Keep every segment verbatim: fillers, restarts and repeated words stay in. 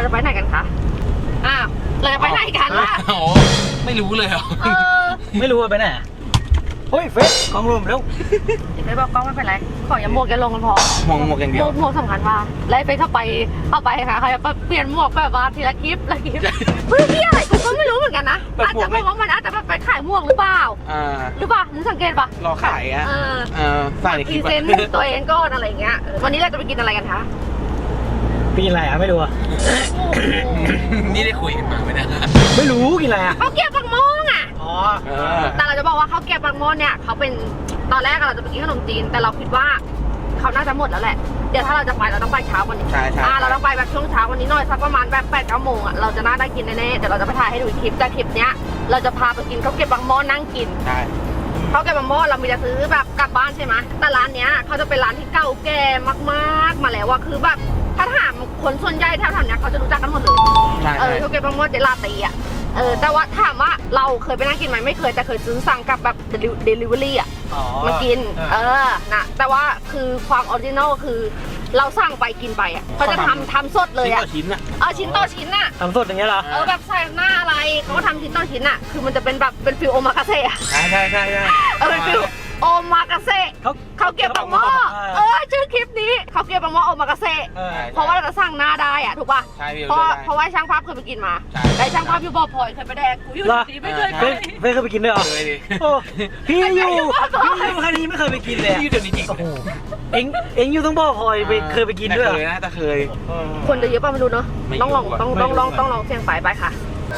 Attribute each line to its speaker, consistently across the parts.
Speaker 1: จะไปไหนกันคะอ้าวเราจะไปไหนกันล่ะ
Speaker 2: โอ้ไม่รู้เลยเหรอ
Speaker 3: ไม่รู้ว่าไปไหนเฮ้ยเฟสกองรวมแล้ว
Speaker 1: เฟสบอกกล้องไม่เป็นไรขออย่าหมวกอย่าลงกันพอ
Speaker 2: มองหมวกอย่างเดียว
Speaker 1: หมวกสำคัญว่าไล่เฟสเข้าไปเอาไปค่ะเขาจะเปลี่ยนหมวกแบบว่าทีละคลิปละคลิปเฮ้ยพี่อะไรกูก็ไม่รู้เหมือนกันนะอาจจะบอกว่ามันอาจจะไปขายหมวกหรือเปล่าหรือเปล่านึกสังเกตปะ
Speaker 2: รอขายอ่ะเออใส่ในคลิป
Speaker 1: พรีเซนต์ตัวเองก็อะไรเงี้ยวันนี้เราจะไปกินอะไรกันคะ
Speaker 3: กินอะไรอ่ะไม่รู้อ่ะ
Speaker 2: นี่ได้คุยกันมาไหมนะ
Speaker 3: ไม่รู้กินอะไรอ่ะ
Speaker 1: เขาเก็บปังโมงอ่ะ
Speaker 3: อ๋อ
Speaker 1: แต่เราจะบอกว่าเขาเก็บปังโมงเนี่ยเขาเป็นตอนแรกเราจะไปกินขนมจีนแต่เราคิดว่าเขาน่าจะหมดแล้วแหละเดี๋ยวถ้าเราจะไปเราต้องไปเช้ากว่านี้
Speaker 2: ใช่ใช่
Speaker 1: เราต้องไปแบบช่วงเช้าวันนี้หน่อยสักประมาณแบบแปดเก้าโมงอ่ะเราจะน่าได้กินแน่ๆเดี๋ยวเราจะไปถ่ายให้ดูคลิปแต่คลิปเนี้ยเราจะพาไปกินเขาเก็บปังโมงนั่งกิน
Speaker 2: ใช่
Speaker 1: เขาเก็บปังโมงเรามีจะซื้อแบบกลับบ้านใช่ไหมแต่ร้านเนี้ยเขาจะเป็นร้านที่เก่าแก่มากๆมาแล้วว่าคือแบบถ้าถามคนส่วนใหญ่แถวๆนี้เขาจะรู้จักกันหมดเลยเออเขาเก็บปังโมงเจลาตีอ่ะเออแต่ว่าถามว่าเราเคยไปนั่งกินไหมไม่เคยแต่เคยซื้อสั่งกับแบบเดลิเวอรี่อ่ะมากินเออนะแต่ว่าคือความออริจินอลคือเราสั่งไปกินไปอ่ะเขาจะทำทำสดเลยอ่ะ
Speaker 2: ชิ้นต่อชิ้นอ่ะ
Speaker 1: เออชิ้นต่อชิ้นอ่ะ
Speaker 3: ทำสดอย่างเงี้ยเหรอ
Speaker 1: เออแบบใส่หน้าอะไรเขาก็ทำชิ้นต่อชิ้นอ่ะคือมันจะเป็นแบบเป็นฟิลโอมากาเซ่อะ
Speaker 2: ใช่ใช่ใช่ใช่
Speaker 1: เออเป็นฟิลโอมากาเซ่เขาเขาเก็บปังโมเออชื่อคลิปนี้เขาเก็บปังโมโอมากาเซ่เพราะว่าเราจะสั่งหน้าได้อ่ะถูกป่ะ
Speaker 2: ใช่
Speaker 1: เพราะเพราะว่าช่างภาพเคยไปกินมาได้ช่างภาพอยู่บ่อพลอยเคยไปแดกกูอยู่ดีไม่เคยไป
Speaker 3: ไม่เคยไปกินด้วยเหรอ
Speaker 2: เคยดิ
Speaker 3: พี่อยู่พี่อยู่คันนี้ไม่เคยไปกินเลย
Speaker 2: พี่อยู่เดี๋ยวนี้จริง
Speaker 3: โอ้โหเอ็งเอ็งอยู่ต้องบ่อพลอยไปเคยไปกินด้วยเหรอ
Speaker 2: เคยนะแต่เคย
Speaker 1: คนจะเยอะป่ะไม่รู้เนาะต้องลองต้องต้องลองต้องลองเสี่ยงไปไปค่ะ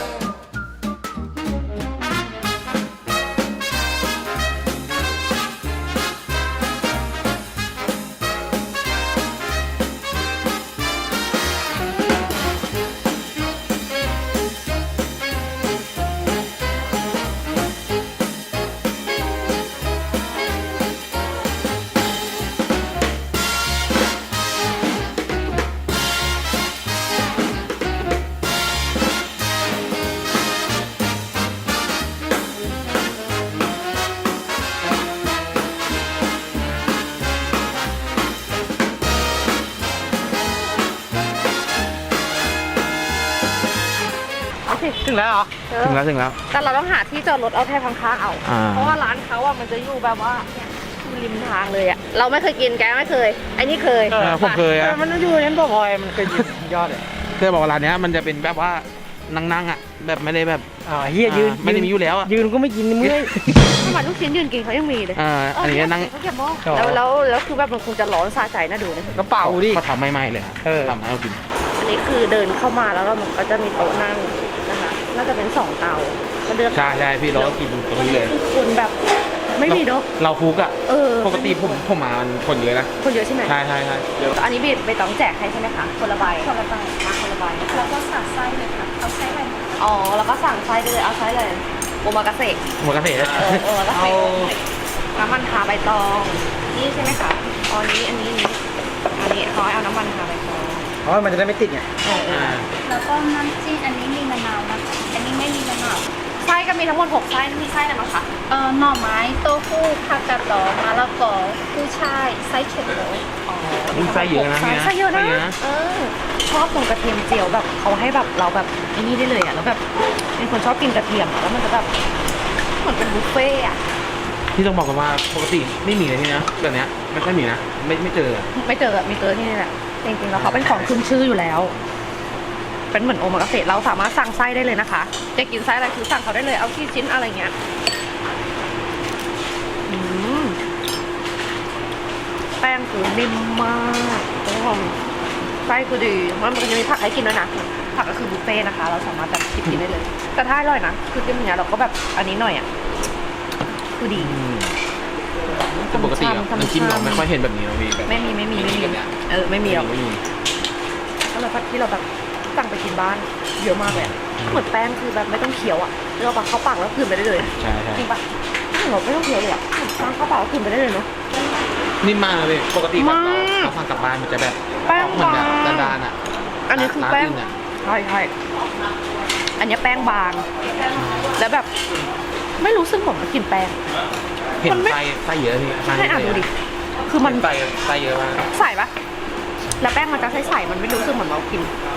Speaker 3: ถึงแล้วเหรอ
Speaker 2: ถึงแล้วถึงแล้ว
Speaker 1: แต่เราต้องหาที่จอดรถเอาแค่ข้างๆเอาเพราะว่าร้านเขาอ่ะมันจะอยู่แบบว่าริมทางเลยอ่ะเราไม่เคยกินแกไม่เคยไอ้นี่เคย
Speaker 2: ผมเคยอ่ะ
Speaker 3: มันอยู่นั้นบ่อพลอยมันเคยยอดเลย
Speaker 2: เคยบอกว่าร้านนี้มันจะเป็นแบบว่านั่งๆอ่ะแบบไม่ได้แบบ
Speaker 3: อ่าเฮียยืน
Speaker 2: ไม่ได้มีอยู่แล้วอ่ะ
Speaker 3: ยืนก็ไม่กินเมื่อย
Speaker 1: ทำไมลูกชิ้นยืนกินเขายังมีเลย
Speaker 2: อ่าอันนี้นั่ง
Speaker 1: เขาเก็บหม้อแล้วแล้วแล้วคือแบบมันคงจะร้อนซาใจน่าดูนะ
Speaker 3: กระเป๋าดิ
Speaker 2: เขาทำไม่ๆเลยเออทำให้เรากิน
Speaker 1: อันนี้คือเดินเข้ามาแล้วเราก็จะมีโต๊ะนั่งนะคะน่าจะเป็นสองเตา
Speaker 2: ก็เลือกใช่ใช่พี่เรากินตรงนี้เลย
Speaker 1: คนแบบไม่มีเนาะ
Speaker 2: เราคุกอ่ะปกติผมผมมาคนเยอะนะ
Speaker 1: คนเยอะใช่ไหม
Speaker 2: ใช่ใช่ใช่
Speaker 1: อันนี้บีบใบตองแจกให้ใช่ไหมคะคนละใบ
Speaker 4: คนละใบ
Speaker 1: มาคนละใบ
Speaker 4: แล้วก็สั่งไส้เลยค่ะเอาไส้อะไร
Speaker 1: อ๋อแล้วก็สั่งไส้เลยเอาไส้เลยโอมากาเซ่
Speaker 2: โอมากาเซ่
Speaker 1: เออโอมากาเซ่น้ำมันทาใบตองนี่ใช่ไหมคะอ๋อนี้อันนี้นี้อันนี้เขาให้เอาน้ำมันทาใบตอง
Speaker 3: เพราะมันจะได้ไม่ติดไง
Speaker 4: แล้วก็น้ำจิ้มอันนี้มีมะนาวนะคะอันนี้ไม่มีมะนาว
Speaker 1: ไส้ก็มีทั้งหมดหกไส้มีไส้อะไรบ้างคะ
Speaker 4: เอ่อหน่อไม้โต้หู้ผักกาดดองมะละกอกุ้ยช่ายไส้เค็มเลย
Speaker 1: อ๋อ
Speaker 2: ไส้เยอะนะ
Speaker 1: ไส้เยอะนะเออชอบตรงกระเทียมเจียวแบบเขาให้แบบเราแบบไอ้นี่ได้เลยอ่ะแล้วแบบเป็นคนชอบกินกระเทียมแล้วมันจะแบบเหมือนเป็นบุฟเฟ่อะ
Speaker 2: ที่ต้องบอกกันว่าปกติไม่มีเลยที่นะแบบเนี้ยไม่ค่อยมีนะไม่ไม่เจอ
Speaker 1: ไม่เจอมีเจอที่นี่แหละจริงๆแล้วเขาเป็นของขึ้นชื่ออยู่แล้วเป็นเหมือนโอมากาเสะเราสามารถสั่งไส้ได้เลยนะคะจะกินไส้อะไรคือสั่งเขาได้เลยเอาที่ชิ้นอะไรเงี้ยแป้งคือนิ่มมากทุกคนไส้คือดีมันจะมีผักให้กินด้วยนะผักก็คือบุฟเฟ่นะคะเราสามารถแบบกินได้เลยแต่ถ้าอร่อยนะคือกินอย่างเงี้ยเราก็แบบอันนี้หน่อยอ่ะคือดี
Speaker 2: แต่ปกติน้ำจิ้มเราไม่ค่อยเห็นแบบนี้นะพี่
Speaker 1: ไม่มีไม่มีไม่มีเออไม่มีหรอกก็เลยพัดที่เราแบบสั่งไปกินบ้านเยอะมากเลยเหมือนแป้งคือแบบไม่ต้องเคี้ยวอ่ะเราแบบเข้าปากแล้วคืนไปได้เลย
Speaker 2: ใช่ใช่
Speaker 1: จริงปะเราไม่ต้องเคี้ยวเลยอ่ะสั่งเข้าปากแล้วคืนไปได้เลยเนาะ
Speaker 2: นิ่มมากเลยปกติแบบเราสั่งกลับบ้านมันจะแบบ
Speaker 1: แป้ง
Speaker 2: เหมือนแบบดานๆอ่ะ
Speaker 1: อันนี้คือแป้งใช่ใช่อันนี้แป้งบางแล้วแบบไม่รู้สึกเหมือนมากินแป้ง
Speaker 2: เห็นไส้ไส้เยอะที่
Speaker 1: ให้อ่านดูดิคือมัน
Speaker 2: ไส้ไส้เยอะมาก
Speaker 1: ใส่ปะแล้วแป้งมันจะใสๆมันไม่รู้สึกเหมือนเรากิน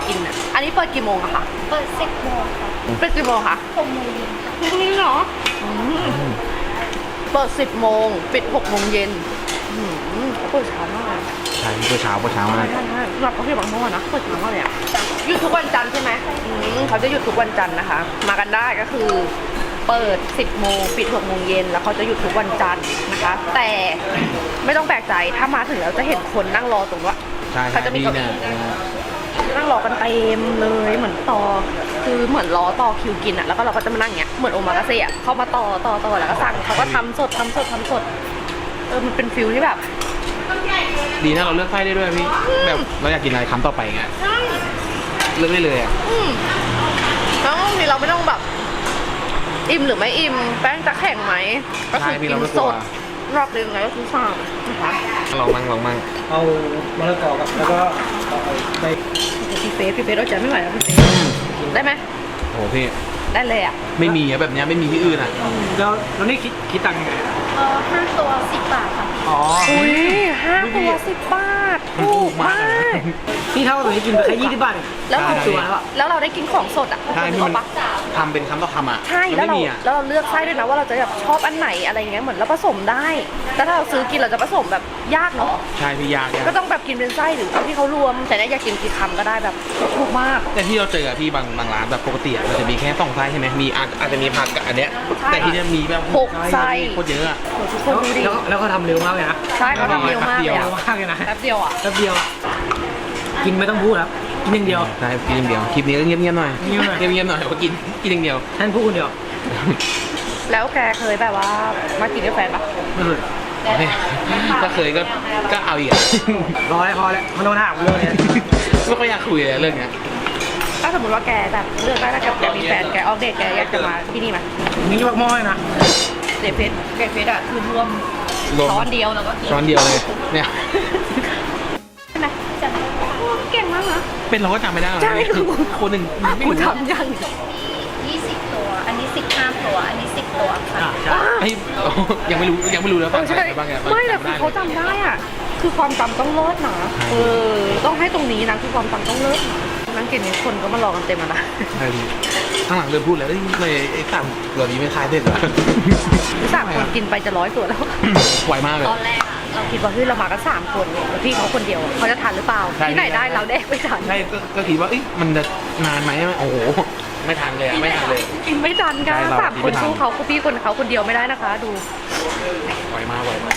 Speaker 1: กินอ่ะอันนี้เปิดกี่โมงอะคะ
Speaker 4: เปิดสิบโมงค่ะ
Speaker 1: เปิดกี่โมงคะ
Speaker 4: หกโมงเย็นค่ะ
Speaker 1: พรุ่งนี้เหรออืมเปิดสิบโมงปิดหกโมงเย็นอืมเปิดเช้ามากเลย
Speaker 2: ใช่เมื่อเช้าเมื่อเช้ามา
Speaker 1: ใช่ใช่รับเขาเรียกบางโมงนะเปิดเช้ามากเลยอะหยุดทุกวันจันทร์ใช่ไหมอืมเขาจะหยุดทุกวันจันทร์นะคะ มากันได้ก็คือเปิดสิบโมงปิดหกโมงเย็นแล้วเขาจะหยุดทุกวันจันทร์นะคะ แต่ไม่ต้องแปลกใจถ้ามาถึงแล้วจะเห็นคนนั่งรอตรงว่า
Speaker 2: ใช่
Speaker 1: เขาจะมี
Speaker 2: พี่
Speaker 1: เก้า
Speaker 2: เนี่ย
Speaker 1: อี้นั่งรอกันเต็มเลยเหมือนต่อคือเหมือนรอต่อคิวกินอะแล้วก็เราก็จะมานั่งเงี้ยเหมือนโอมากาเซ่อะเข้ามาต่อต่อต่อแล้วก็สั่งเขาก็ทำสดทำสดทำสดเออมันเป็นฟิลที่แบบ
Speaker 2: ดีนะเราเลือกไส้ได้ด้วยพี่แบบเราอยากกินอะไรคำต่อไปเงี้ยเลือกได้เลยอ่ะ
Speaker 1: อืมแล้วบางทีเราไม่ต้องแบบ อิ่มหรือไม่อิ่มแป้งจะแข็งไหมก็คือกินสดรอบเดียวไงก็คือสั่งนะคะ
Speaker 2: ลองมั่งลองมั่ง
Speaker 3: เอามะละกอกับแล้วก็เอาไป
Speaker 1: พี่เฟสพี่เฟสเราจะไม่ไหวแล้วพี่เฟสได้ไหม
Speaker 2: โอ้โหพี่
Speaker 1: ได้เลยอ่ะ
Speaker 2: ไม่มีอะแบบเนี้ยไม่มีที่อื่นอ่ะ
Speaker 3: แล้วแล้วนี่คิดคิดตังค์ยังไงอะ
Speaker 4: เออห้าตัวสิบบาทค่ะ
Speaker 3: อ๋อ
Speaker 1: อุ้ยห้าตัวสิบบาท
Speaker 2: มันถูกมากเลยนะ
Speaker 3: พี่เท่ากับนี้กินไปแค่ยี่สิบบาทเอง
Speaker 1: แล้วเรา
Speaker 2: ใช่
Speaker 3: ตัวแล้วอะ
Speaker 1: แล้วเราได้กินของสดอ่ะ
Speaker 2: ใช่พี่
Speaker 1: ถู
Speaker 2: มั
Speaker 1: ก
Speaker 2: น
Speaker 1: ปะ
Speaker 2: ทำเป็นคำต่อคำอ่ะ
Speaker 1: ใช่
Speaker 2: มัน
Speaker 1: แล้ว
Speaker 2: ไม่
Speaker 1: เรา
Speaker 2: มีอ่ะ
Speaker 1: แล้วเราเลือกไส้ด้วยนะว่าเราจะแบบชอบอันไหนอะไรเงี้ยเหมือนเราผสมได้แต่ถ้าเราซื้อกินเราจะผสมแบบยากเนาะ
Speaker 2: ใช่พี่ยากยาก
Speaker 1: ก็ต้องแบบกินเป็นไส้หรือเอาที่เขารวมแต่เนี่ยอยากกินกี่คำก็ได้แบบถูกมาก
Speaker 2: แต่ที่เราเจออะพี่บางบางร้านแบบปกติอะมันจะมีแค่สองไส้ใช่ไหมมีอาจอาจจะมีผักกับอันเนี้ย
Speaker 1: ใช่
Speaker 2: แต่ที่เนี้ยมีแบบ
Speaker 1: หกไส้
Speaker 2: โคตรเยอะอะ
Speaker 1: โหทุกค
Speaker 3: แล้
Speaker 1: น
Speaker 3: ว
Speaker 1: ดูดิ
Speaker 3: แล้วแล้วก็ทำเร็วมากเลยนะ
Speaker 1: ใช่เขาทำเร็วมากเลย
Speaker 3: เร็
Speaker 1: อะ
Speaker 3: วมากเลยนะ
Speaker 1: แป๊บเดียวอ่ะ
Speaker 3: แป๊บเดียว กินไม่ต้องพูดครับ กินอย่างเดียว
Speaker 2: ใช่กินอย่างเดียวคลิปนี้ก็เงียบๆหน่อย
Speaker 3: เงียบหน่อย
Speaker 2: เงียบๆหน่อยว่ากินกินอย่างเดียว
Speaker 3: ท่านพูดคนเดียว
Speaker 1: แล้วแกเคยแบบว่ามากินกับแฟนปะ
Speaker 3: ไม่เคย
Speaker 2: ถ้าเคยก็ก็เอาอีกอะ
Speaker 3: ร้อยพอแล้วมันโดนถามเรื่องนี้
Speaker 2: ไม่ค่อยอยากคุยเลยเรื่องเนี้ย
Speaker 1: ถ้าสมมติว่าแกแบบเลือกได้ถ้าแกแกมีแฟนแกออกเดทแกอยากจะมาที่นี่ไหม
Speaker 3: นี่ยกหม้อเลยนะ
Speaker 1: เดทเฟสเดทเฟสอ่ะคือรวม
Speaker 2: รวม
Speaker 1: ช้อนเดียวแล้วก็กิน
Speaker 2: ช้อนเดียวเลยเนี่ย
Speaker 1: ใช่ไหมจำได้เก่งมากนะ
Speaker 2: เป็นเราก็จำไม่ได้หรอก
Speaker 1: ใช่
Speaker 2: คนหนึ่งไม่
Speaker 1: กู
Speaker 2: รู้
Speaker 1: ทำยัง
Speaker 4: ยี่สิบตัว อันนี้สิบห้าตัว อันนี้สิบตัวค่ะ
Speaker 3: อ่ะใช่
Speaker 2: ไอ้ยยังไม่รู้ยังไม่รู้แล้ว
Speaker 1: เออใช่
Speaker 2: อะไรบ้างเนี่ย
Speaker 1: ไม่แต่คือเขาจำได้อ่ะคือความจำต้องเลิศนะเออต้องให้ตรงนี้นะคือความจำต้องเลิศนะนั่งกินนี้คนก็มารอกันเต็มแล้วนะ
Speaker 2: ใช่พี่ข้างหลังเริ่มพูดแล้วเอ้ยเลยไอ้สามเหล่านี้ไม่คลายเด็ดเหรอ
Speaker 1: ที่สามคนกินไปจะร้อยตัวแล้ว
Speaker 2: ไวมากเลย
Speaker 1: ตอนแรกอะเราคิดว่าเฮ้ยเรามากันสามคนเนี่ยแล้วพี่เขาคนเดียวเขาจะทานหรือเปล่า
Speaker 2: ใช่
Speaker 1: ที่ไหนได้เราแดกไม่ทัน
Speaker 2: ใช่ก็ก็คิดว่าเอ้ยมันจะนานไหมโอ้โหไม่ทันเลยอะไม่ทันเลย
Speaker 1: กินไม่ทันกัน
Speaker 2: ใช่เรา
Speaker 1: สามคน
Speaker 2: กินไม่ทัน
Speaker 1: สู้เขาคือพี่คนเขาคนเดียวไม่ได้นะคะ ดู
Speaker 2: ไวมากไวมาก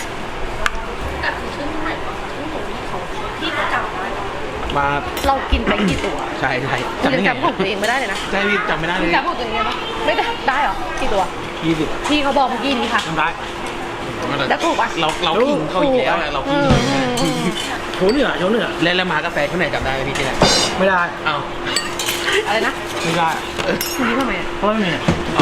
Speaker 1: พี่เขาจำได้
Speaker 2: มา
Speaker 1: เรากินไปกี่ตัว
Speaker 2: ใช่ใช่
Speaker 1: คุณยัง
Speaker 2: ได้ไง
Speaker 1: จำของตัวเองไม่ได้เลยนะ
Speaker 2: ใช่พี่จำไม่ได้เล
Speaker 1: คุณ
Speaker 2: ย
Speaker 1: จำของตัวเองได้ปะไม่ได้ได้เหรอกี่ตัว
Speaker 2: ยี่สิบ
Speaker 1: พี่เขาบอกเมื่อกี้นี้ค่ะ
Speaker 3: ทำได้
Speaker 1: แล้วถูกปะ
Speaker 2: เราเราขิงเขาอีกแล้วอะเราขิง
Speaker 1: อืมอืมอืม
Speaker 3: โชว์เหนือโชว์เหนือ
Speaker 2: แล้วแล้วมากาแฟข้างในจำได้ไหมพี่ที่ไหน
Speaker 3: ไม่ได้
Speaker 2: อ้าว
Speaker 1: อะไรนะ
Speaker 3: ไม่ได้
Speaker 1: คุณนี้ทำไมอะ
Speaker 3: เพราะไม่มี
Speaker 2: อ๋อ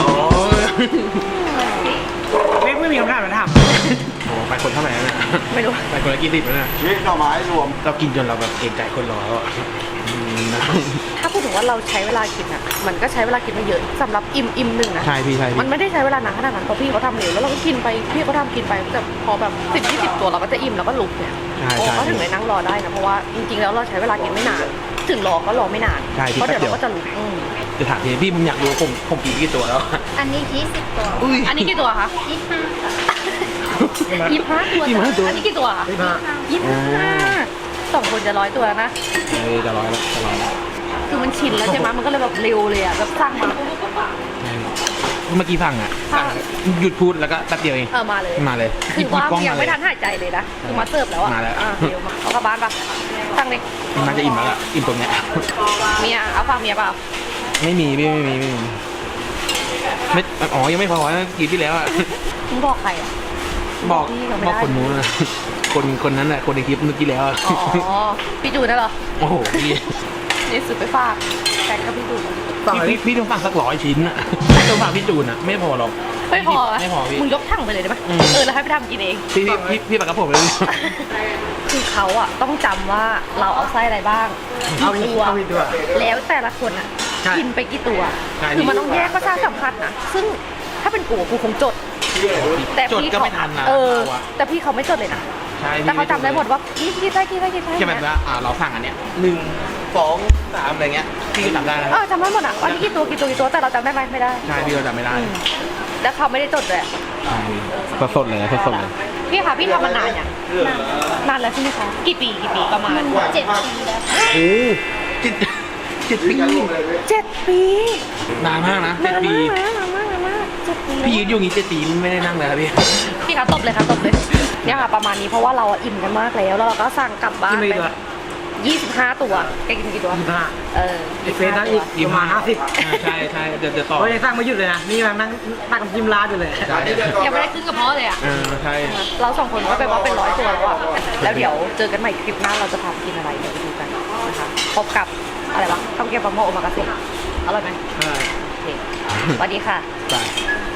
Speaker 3: ไม่ไม่มีคำถามมาถาม
Speaker 2: โอ้ไปคนเท่าไหร่แล้วเนี่ย
Speaker 1: ไม่รู้
Speaker 2: ไปคนละกี่สิบแล้วเนี่ย
Speaker 5: นี่หน่อไม้รวม
Speaker 2: เรากินจนเราแบบเกรงใจคนรอแล้วอะอืมนะ
Speaker 1: ถ้าพูดถึงว่าเราใช้เวลากินอ่ะ มันก็ใช้เวลากินไม่เยอะสำหรับอิ่มอิ่มหนึ่งนะ
Speaker 2: ใช่พี่ใช่
Speaker 1: มั
Speaker 2: พี่
Speaker 1: นไม่ได้ใช้เวลานานขนาดนั้นเพราะพี่เขาทำเร็วแล้วเราก็กินไปพี่เขาทำกินไปแต่พอแบบสิบยี่สิบตัวเราก็จะอิ่มแล้วก็ลุกเนี่ย
Speaker 2: ใช่
Speaker 1: โอ้
Speaker 2: ใช่
Speaker 1: ก็ถึงได้นั่งรอได้นะเพราะว่าจริงๆแล้วเราใช้เวลากินไม่นาน ถึงรอก็รอไม่นาน
Speaker 2: ใช่พี่
Speaker 1: เพราะเดี๋ยว
Speaker 2: แป๊บเดียว
Speaker 1: เราก็จะลุกอืม
Speaker 2: จะถามทีพี่ผมอยากรู้ผมผมกินกี่ตัวแล้ว
Speaker 4: อันนี้ยี่สิบตัว
Speaker 2: อุ้ย
Speaker 1: อันนี้กี่ตัวคะ
Speaker 4: ยี่สิบห้าค่ะ
Speaker 1: ยี่สิบห้าตัว
Speaker 2: ยี่สิบห้าตัว
Speaker 1: อันนี้กี่ตัวคะ
Speaker 3: ไม่มา
Speaker 1: ยี่สิบห้าสองคนจะร้อยตัวแล้วนะ
Speaker 2: เฮ้ยจะร้อยแล้วจะร้อยแล้ว
Speaker 1: คือมันชินแล้วใช่ไหมมันก็เลยแบบเร็วเลยอ่ะแบบสั่งมา
Speaker 2: ใช่เมื่อกี้สั่งอ่ะ
Speaker 1: ค่ะ
Speaker 2: สั่งหยุดพูดแล้วก็แป๊บเดียวเอง
Speaker 1: เออมาเลย
Speaker 2: มาเลย
Speaker 1: คือว่า
Speaker 2: หบกล้อง
Speaker 1: ยัง
Speaker 2: มาเล
Speaker 1: ไม่
Speaker 2: ย
Speaker 1: ทันหายใจเลยนะคือมาเสิร์ฟแล้วอ่ะ
Speaker 2: มาแล้ว
Speaker 1: อ่ะเร็วมาเอากลับบ้านปะสั่งเลย
Speaker 2: น่าจะอิ่มแล้วล่ะอิ่มตรงเนี้ย
Speaker 1: เมียเอาฝากเมียเปล่า
Speaker 2: ไม่มีพี่ไม่มีไม่มีไม่อ๋อยังไม่พอนะกีที่แล้วอ่ะ
Speaker 1: มึงบอกใครอ่ะ
Speaker 2: บอก
Speaker 1: พี่เขาไม่
Speaker 2: บอก
Speaker 1: ได้
Speaker 2: คนนู้นนะคนคนนั้นน่ะคนในคลิปเมื่อกี้แล้วอะ
Speaker 1: อ๋อพี่จูนน่ะเหรอ
Speaker 2: โอ้โหพี่
Speaker 1: นี่สุดไปฝากแฟนก็พี่จูน
Speaker 3: ฝั่ง
Speaker 2: พี่
Speaker 3: นี้
Speaker 2: พี่ต้องฟังสักร้อยชิ้นอ่ะต้องฟังพี่จูนอ่ะไม่พอหรอก
Speaker 1: ไม่พอ
Speaker 2: ไม่พอพี่
Speaker 1: มึงยกถังไปเลยได้ปะ
Speaker 2: อืม
Speaker 1: เออแล้วให้ไปทำกินเอง
Speaker 2: พี่พี่พี่พี่ปากกระผมเลย
Speaker 1: คือเขาอ่ะต้องจำว่าเราเอาไส้อะไรบ้าง
Speaker 3: เอา
Speaker 1: กี่
Speaker 3: อีก
Speaker 1: ตัว
Speaker 3: เอาอีกด้วย
Speaker 1: แล้วแต่ละคนอ่ะ
Speaker 3: ใช่
Speaker 1: กินไปกี่ตัว
Speaker 2: ใช่
Speaker 1: คือมันต้องแยกประสาทสัมผัสนะซึ่งถ้าเป็นกูกูคงจด แต่
Speaker 2: จด
Speaker 1: พี่
Speaker 2: ก็
Speaker 1: เขา
Speaker 2: ไม่ทันนะ
Speaker 1: เออ
Speaker 2: เราอะ
Speaker 1: แต่พี่เขาไม่จดเลยนะ
Speaker 2: ใช่
Speaker 1: แต่เขาจำได้หมดว่ากี่กี่ไส้กี่ไส้กี่ไส้
Speaker 2: แค่แบบว่าอ่าเราสั่งอันเนี้ยหนึ่งสสองสามอะไรเงี้ยพี่ก็จำได้แล้ว
Speaker 1: เออจำได้หมดอ่ะวันนี้กี่ตัวกี่ตัวกี่ตัวแต่เราจำได้ไหมไม่ได้
Speaker 2: ใช่พี่ก็จำไม่ได้
Speaker 1: แล้วเขาไม่ได้จดเลยอะ
Speaker 2: ใช่สดๆเลยนะสดๆเลย
Speaker 1: พี่คะพี่ทำมานานยังนานแล้วใช่ไหมคะกี่ปีกี่ปีประมาณ
Speaker 4: เจ็ดปีแล้ว
Speaker 2: โอ้เจ็ดเจ็ดปี
Speaker 1: เจ็ดปี
Speaker 2: นานมากนะเจ็ดปี
Speaker 1: นานมากนานมากนานมากเจ็ดปี
Speaker 2: พี่ยืนอยู่อย่างงี้เจ็ดปีไม่ได้นั่งเลยครับพี่
Speaker 1: พี่คะตบเลยค่ะตบเลยเนี่ยค่ะประมาณนี้เพราะว่าเราอะอิ่มกันมากแล้วแล้วเราก็สั่งกลับบ้าน
Speaker 3: กินไม่
Speaker 1: ไป
Speaker 3: ตัว
Speaker 1: ยี่สิบห้าตัวแกกินกี่ตัว
Speaker 3: ยี่สิบห้า
Speaker 1: เออ
Speaker 3: ไอเฟสนั่งอีกประมาณห้าสิบ
Speaker 2: อ่าใช่ใช่เดี๋ยวเดี๋ยวต่อ
Speaker 3: เขายังสร้างไม่หยุดเลยนะนี่มันนั่งนั่งกับจิมลาดอยู่เลย
Speaker 2: ใช่
Speaker 1: ยังไม่ได้ขึ้นกระเพาะเลยอ่ะ
Speaker 2: เออใช่
Speaker 1: เราสองคนก็ไปว่าเป็นร้อยตัวแล้วอ่ะแล้วเดี๋ยวเจอกันใหม่คลิปหน้าเราจะพาไปกินอะไรเดี๋ยวไปดูกันนะคะพบกับอะไรวะข้าวแกงปลาหม้อโอมากาเสะอร่อยไหม
Speaker 2: ใช่
Speaker 1: โอเคสวัสดีค่ะ
Speaker 2: ไป